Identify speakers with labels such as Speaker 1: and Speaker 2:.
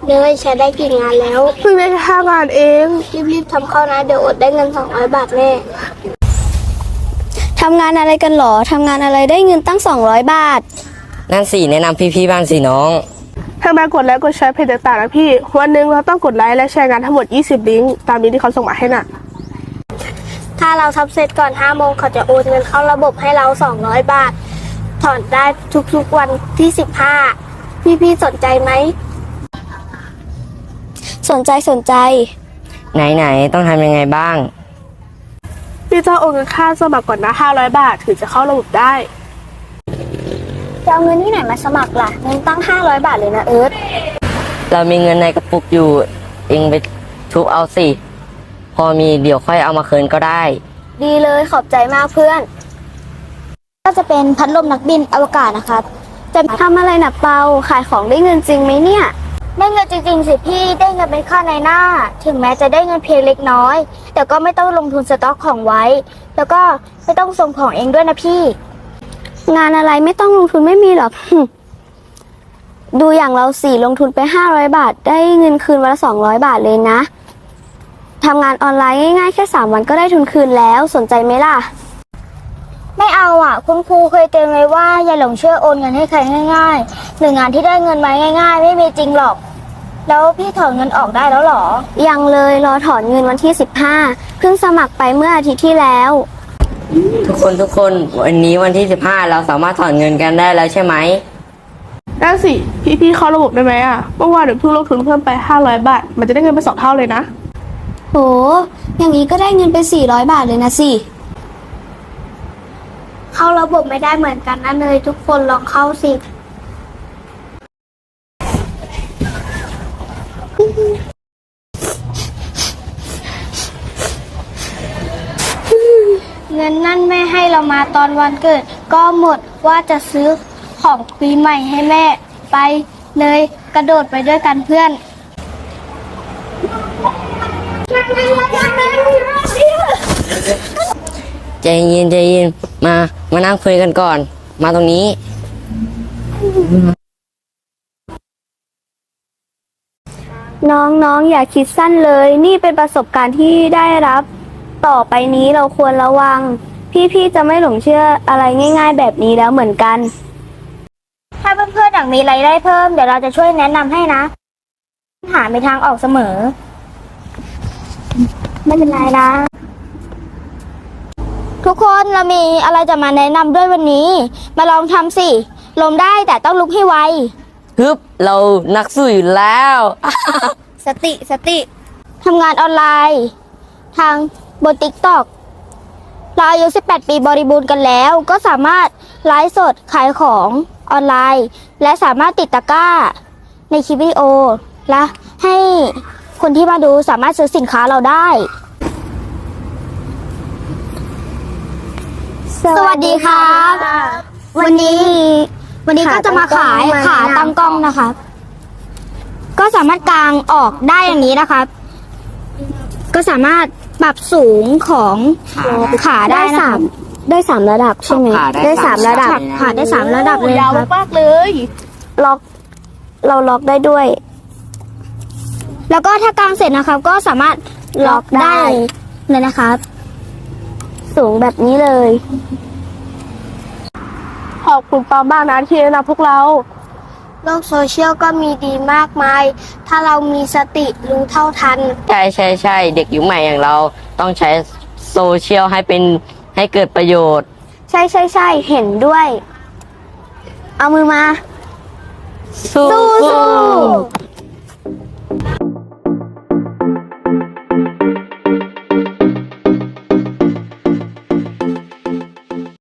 Speaker 1: เนยใช้ได้กี่งานแล้ว
Speaker 2: เพิ่งได้แค่5 งานเอง
Speaker 1: รีบๆทำเข้านะเดี๋ยวอดได้เงิน200 บาทแน่
Speaker 3: ทำงานอะไรกันหรอ ทำงานอะไรได้เงินตั้ง200 บาท
Speaker 4: นั่นสิแนะนำพี่ๆบ้างสิน้อง
Speaker 2: ทางแบงกดไลค์กดแชร์เพจต่างๆนะพี่วันหนึ่งเราต้องกดไลค์และแชร์งานทั้งหมด20 ลิงก์ตามนี้ที่เขาส่งมาให้น่ะ
Speaker 1: ถ้าเราทำเสร็จก่อน5 โมงเขาจะโอนเงินเข้าระบบให้เรา200 บาทถอนได้ทุกๆวันที่15พี่ๆสนใจไหม
Speaker 3: สนใจ
Speaker 4: ไหนต้องทำยังไงบ้าง
Speaker 2: พี่ต้องโอนเงินค่าสมัครก่อนนะ500 บาทถึงจะเข้าระบบได้
Speaker 3: จะเอาเงินที่ไหนมาสมัครล่ะ เงินตั้ง500 บาทเลยนะเอิร์ธ
Speaker 4: เรามีเงินในกระปุกอยู่เองไปทุบเอาสิพอมีเดี๋ยวค่อยเอามาคืนก็ได้
Speaker 3: ดีเลยขอบใจมากเพื่อน ก็จะเป็นพัดลมนักบินอวกาศนะครับ จะทำอะไรนะเปาขายของได้เงินจริงไหมเนี่ย
Speaker 1: ได้เงินจริงๆสิพี่ได้เงินเป็นค่าในหน้าถึงแม้จะได้เงินเพียงเล็กน้อยแต่ก็ไม่ต้องลงทุนสต็อกของไว้แล้วก็ไม่ต้องส่งของเองด้วยนะพี่
Speaker 3: งานอะไรไม่ต้องลงทุนไม่มีหรอก ดูอย่างเราสี่ลงทุนไป500 บาทได้เงินคืนวันละ200 บาทเลยนะทำงานออนไลน์ง่ายๆแค่3 วันก็ได้ทุนคืนแล้วสนใจไหมล่ะ
Speaker 1: ไม่เอาอ่ะคุณครูเคยเตือนไว้ว่าอย่าหลงเชื่อโอนเงินให้ใครง่ายๆหรืองานที่ได้เงินมาง่ายๆไม่มีจริงหรอกแล้วพี่ถอนเงินออกได้แล้วหรอ
Speaker 3: ยังเลยรอถอนเงินวันที่15เพิ่งสมัครไปเมื่ออาทิตย์ที่แล้ว
Speaker 4: ทุกคนวันนี้วันที่15เราสามารถถอนเงินกันได้แล้วใช่ไหม
Speaker 2: ได้สิพี่เข้าระบบได้ไหมอ่ะเมื่อวานเดี๋ยวเพิ่งลงทุนเพิ่มไป500 บาทมันจะได้เงินไป2 เท่าเลยนะ
Speaker 3: โหอย่างนี้ก็ได้เงินไป400 บาทเลยนะสิ
Speaker 1: เข้าระบบไม่ได้เหมือนกันนะเนยทุกคนลองเข้าสิเงินนั่นแม่ให้เรามาตอนวันเกิดก็หมดว่าจะซื้อของปีใหม่ให้แม่ไปเลยกระโดดไปด้วยกันเพื่อน
Speaker 4: ใจเย็นมานั่งคุยกันก่อนมาตรงนี้
Speaker 3: น้องอย่าคิดสั้นเลยนี่เป็นประสบการณ์ที่ได้รับต่อไปนี้เราควรระวังพี่จะไม่หลงเชื่ออะไรง่ายๆแบบนี้แล้วเหมือนกัน
Speaker 1: ถ้าเพื่อนๆอยากมีรายได้เพิ่มเดี๋ยวเราจะช่วยแนะนำให้นะหามีทางออกเสมอไม่เป็นไรนะทุกคนเรามีอะไรจะมาแนะนำด้วยวันนี้มาลองทำสิล้มได้แต่ต้องลุกให้ไว
Speaker 4: ฮึบเรานักสู้อยู่แล้ว
Speaker 1: สติทำงานออนไลน์ทางบน TikTok เราอายุ18 ปีบริบูรณ์กันแล้วก็สามารถไลฟ์สดขายของออนไลน์และสามารถติดตะกร้าในคลิปวิดีโอและให้คนที่มาดูสามารถซื้อสินค้าเราได้สวัสดีครับวันนี้ก็จะมาขายขาตั้งกล้องนะคะก็สามารถกางออกได้อย่างนี้นะคะก็สามารถปรับสูงของขาได้นะคะ
Speaker 3: ได้3 ระดับใช่ไหม
Speaker 4: ได้
Speaker 3: 3 ระดับ
Speaker 1: ขาได้3 ระดับเลย
Speaker 2: ยาว
Speaker 1: ครับ
Speaker 2: มากเลย
Speaker 3: เราล็อกได้ด้วย
Speaker 1: แล้วก็ถ้ากางเสร็จนะครับก็สามารถล็อกได้เลยนะครับ
Speaker 3: สูงแบบนี้เลย
Speaker 2: ขอบคุณปอมบ้างนะที่แนะนำพวกเรา
Speaker 1: โลกโซเชียลก็มีดีมากมายถ้าเรามีสติรู้เท่าทัน
Speaker 4: ใช่เด็กยุคใหม่อย่างเราต้องใช้โซเชียลให้เกิดประโยชน์
Speaker 3: ใช่เห็นด้วยเอามือมา
Speaker 4: สู้